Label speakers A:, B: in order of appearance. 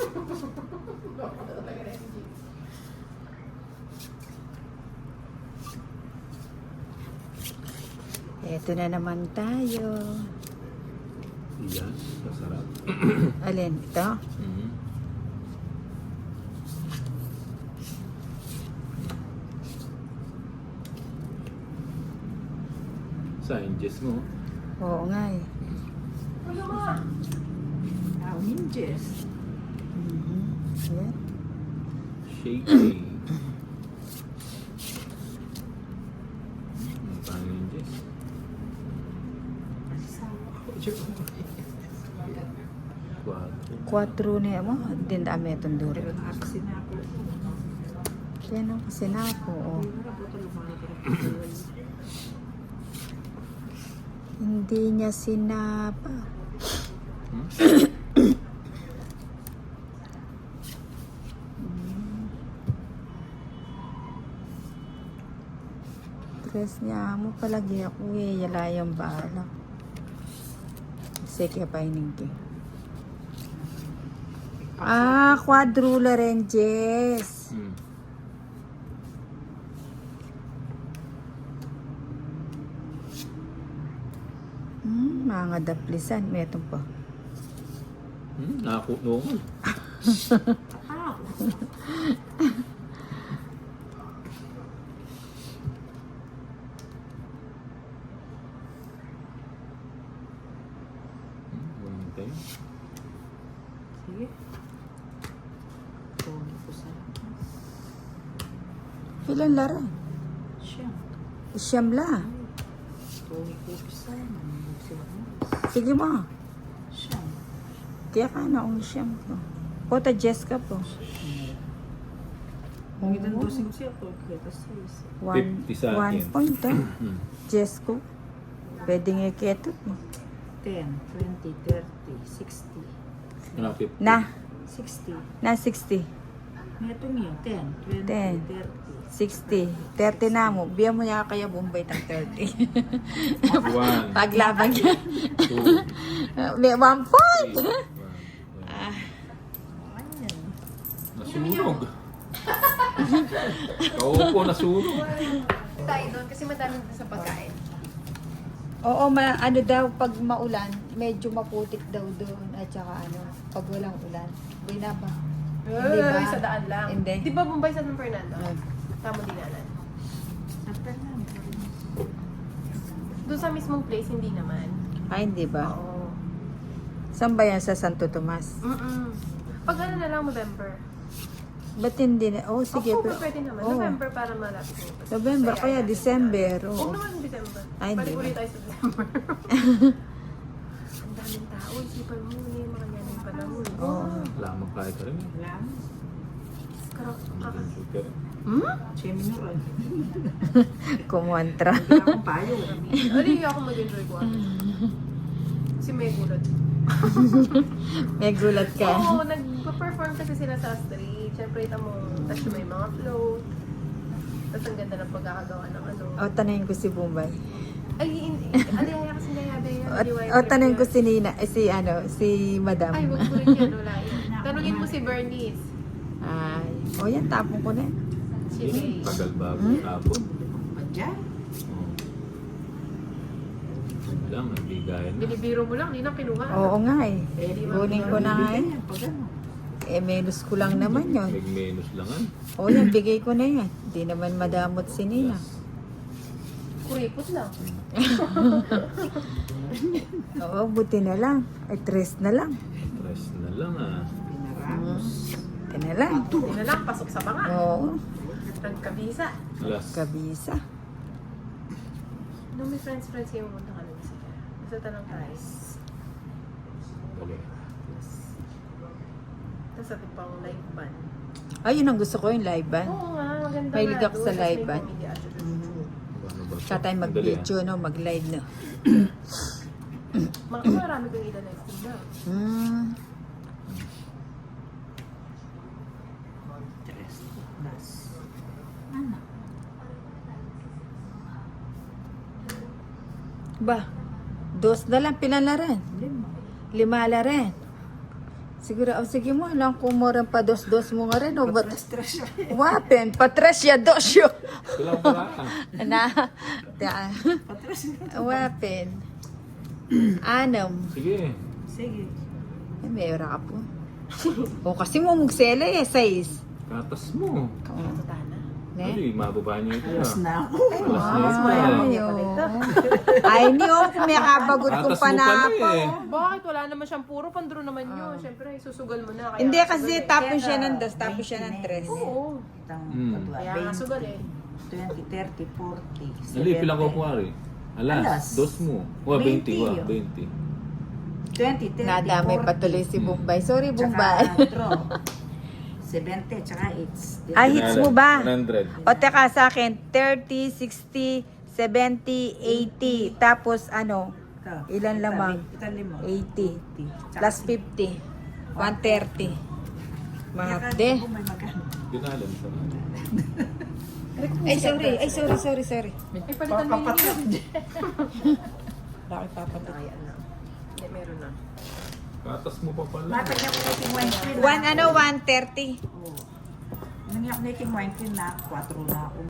A: Eto na naman tayo.
B: Yan, masarap.
A: Alin? Ito?
B: Sciences mo.
A: Oo nga eh.
C: Ninjas.
A: Yan.
B: Shaky. Paano yung Jess?
A: Quattro na mo. Din dami itong duro.
C: Pero nakasin na ako.
A: Kaya nung kasi na ako. Oh. Hindi niya sinapa. Tres niya mo palagi ako eh. Yala yung bala. Sige pa iningki. Quadrula ranges. Mga daplisan. May itong pa.
B: Nakakunoon.
C: Sige. Pumi ko sa
A: Ilan lara?
C: siyam.
A: Siyam la.
C: Pumi ko sa
A: Sige mo.
C: siyam.
A: Kaya ka na ang siyam ko. Pota Jessica po.
C: Kung ilan dosing siya po, kita 6.
B: 50 sa akin.
A: 1 point Jessica. Pwede nga keto.
C: 10, 20, 30, 60.
A: Na.
C: 60.
A: Na 60.
C: Ito niyo, 10, 20,
A: 10.
C: 30.
A: 60. 30 na mo. Biya mo niya kaya Bombay tang 30.
B: 1,
A: Paglaban niya.
B: 2,
A: May 1 point.
B: 3. Nasunog. Kaupo, nasunog.
D: Tayo doon kasi madami din sa pagkain.
A: Oo, ano daw, pag maulan, medyo maputik daw doon. At saka ano, pag walang ulan. Buhay na ba? Hindi ba?
D: Sa daan lang.
A: Hindi.
D: Di ba Bombay sa San Fernando? Tamo dinanan. Doon sa mismong place, hindi naman.
A: Ay, hindi ba?
D: Oo.
A: Saan ba yan sa Santo Tomas?
D: Pag ano na lang, November.
A: Ba't hindi na? Oh, sige.
D: October pwede naman.
A: Oh.
D: November para malapit mo.
A: November, kaya December.
D: Huwag
A: Oo.
D: naman December.
A: Ay, hindi
D: Balik
A: ba?
D: ulit tayo sa December. Ang daming tao. Isipan mo na yung mga yan yung panahon.
A: Oo.
B: Lamang kaya ka rin.
C: Lang.
B: Sugar.
C: Cheminuran.
A: Kumontra.
C: Hindi akong payo.
D: Ali, ako mag-enjoy ko. Kasi may gulat.
A: May gulat ka.
D: Oo, nag-perform kasi sila sa street. Siyempre, ito mo, tapos may mga float. Tapos ang ganda ng pagkakagawa ng ano.
A: O, tanayin ko si Bombay.
D: Ay, aliyaya kasi nayabaya.
A: O, tanayin ko si Nina, si Madam.
D: Ay, wag mo rin yan, wala yan. Tanungin mo si Bernice.
A: Ay. O, yan, tapon ko na.
D: Si May.
B: Tagal bago tapon.
C: Diyan.
B: Lang, nagbigayan na.
D: Binibiro mo lang, hindi na kinuha.
A: Oo nga eh. Kunin ko na nga eh.
C: Pag ano.
A: Menos ko lang naman yun.
B: May menus langan.
A: O, yan, bigay ko na yan. Hindi naman madamot si Nina.
D: Kuripot lang.
A: Oo, buti na lang. Ay, 3 na lang.
B: Stress na lang ah.
C: Pinaramos.
A: Buti na lang.
D: Hindi na lang, pasok sa banga.
A: Oo,
D: Nagkabisa.
B: Last.
A: kabisa.
D: Nung may friends kayo, pumunta ka lang sila. Basta tanong tayo.
B: Okay.
D: Tapos ating pang live band.
A: Ayun ang gusto ko yung live band.
D: Oo nga, maganda
A: Mahilig
D: nga
A: ako
D: doon.
A: sa
D: Tapos
A: live
D: may
A: band.
D: comedy at
B: Ano ba?
A: Kaya tayo mag-video, no? Mag-live, no?
D: Marami kong ila live stream na.
A: Hmm.
C: Das. Ano?
A: Ba? 2 na lang, pinalaran.
C: 5.
A: 5 la rin. Siguro, sige mo, lang kumurang pa dos-dos mo nga rin. O, ba't?
C: Stress siya.
A: Wapen, patresya dosyo.
B: Kulang pala ka.
A: Na,
C: Patras na.
A: wapen. Anam.
B: Sige.
C: Sige.
A: Ay, may ora ka po. O, kasi mo magsela eh, size.
B: Katas mo.
D: Tana.
A: Ne?
B: Ay, mababa niyo ito
C: Alas
B: ah.
C: na ako.
B: Alas na
A: Ay,
B: ito ah.
A: ay, niyo, kung may kabagot kong
B: Katas mo pala
A: panapaw.
B: eh.
D: Bakit? Wala naman siyang puro pandro naman yun. Siyempre, susugal mo na. Kaya
A: Hindi, kasi
D: sugal eh.
A: tapos siya ng dos, tapos siya ng tres.
D: Oo.
C: Itang
B: Hmm.
C: patwa.
D: Kaya nga sugal eh.
C: 20, 30, 40.
B: Ali, pilang ko kuwari.
C: Alas.
B: Alas, dos mo. Wa, 20 wa,
C: 20.
B: 20.
C: 20, 30,
A: Nadamay
C: 40.
A: patuloy si Bombay. Sorry,
C: Tsaka
A: Bombay.
C: draw. 70, tsaka hits.
A: Ay, hits mo ba?
B: 100.
A: O, teka sa akin, 30, 60, 70, 80. Tapos, ano,
C: Ito.
A: Ilan lamang?
C: Ito limo.
A: 80.
C: 80.
A: plus 50. 130. Mahapde.
C: May magkano.
B: Ginalan sa
A: Ay, sorry. Ay, sorry.
D: Ay, palitan mo yun.
A: Bakit papatok?
D: Ayan na. Hindi, meron na.
B: Katas mo pa pala.
C: Matag niya ko na yung wine queen.
A: 130.
C: Oo. Nangyak na yung wine queen na 4 na ako.